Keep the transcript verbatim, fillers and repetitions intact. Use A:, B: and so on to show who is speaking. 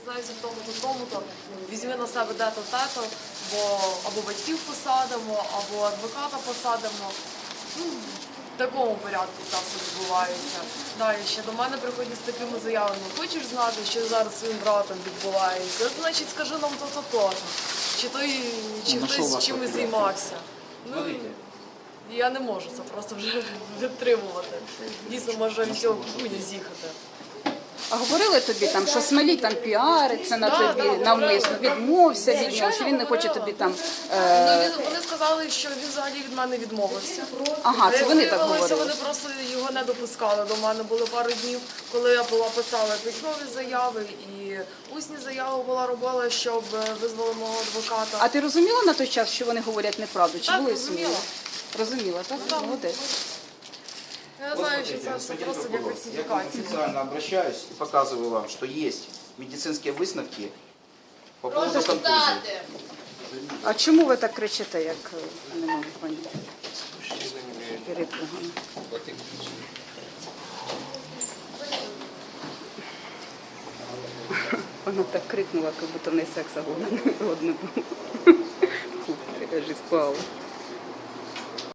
A: дізнаєшся в тому-то, тому-то, візьми на себе де-то, те-то, бо або батьків посадимо, або адвоката посадимо. Ну, в такому порядку це все відбувається. Далі ще до мене приходять з такими заявами. Хочеш знати, що зараз з своїм братом відбувається? Значить, скажи нам то-то, то-то. Чи той, чи
B: Ну,
A: хтось чимось займався. Ну, я не можу це просто вже витримувати. Дійсно, може від цього куня з'їхати.
C: А говорили тобі там, що Смолій там піариться на
A: Да,
C: тобі,
A: да,
C: навмисно
A: говорили.
C: відмовся від нього,
A: Звичайно,
C: що він не хоче
A: говорила.
C: тобі там.
A: Ну,
C: Е...
A: він, вони сказали, що він взагалі від мене відмовився.
C: Ага, це вони так
A: Виявилося,
C: говорили.
A: Вони просто його не допускали до мене. Були пару днів, коли я була писала письмові заяви і усні заяви була робила, щоб визвали мого адвоката.
C: А ти розуміла на той час, що вони говорять неправду? Чи
A: Так,
C: були
A: розуміла.
C: сумніви? Розуміла, так?
A: Так.
C: Молодець.
A: Я
D: Вот
A: знаю, що
D: смотрите,
A: це все
D: господин
A: просто для
D: прокурор, я к вам
A: фальсифікації.
D: официально обращаюсь и показываю вам, что есть медицинские выставки по поводу контузии.
C: А чому ви так кричите, як е, не можу поняти? Перепугано. Вона так крикнула, як будто в неї секса годно не було. Фу, я ж і спала.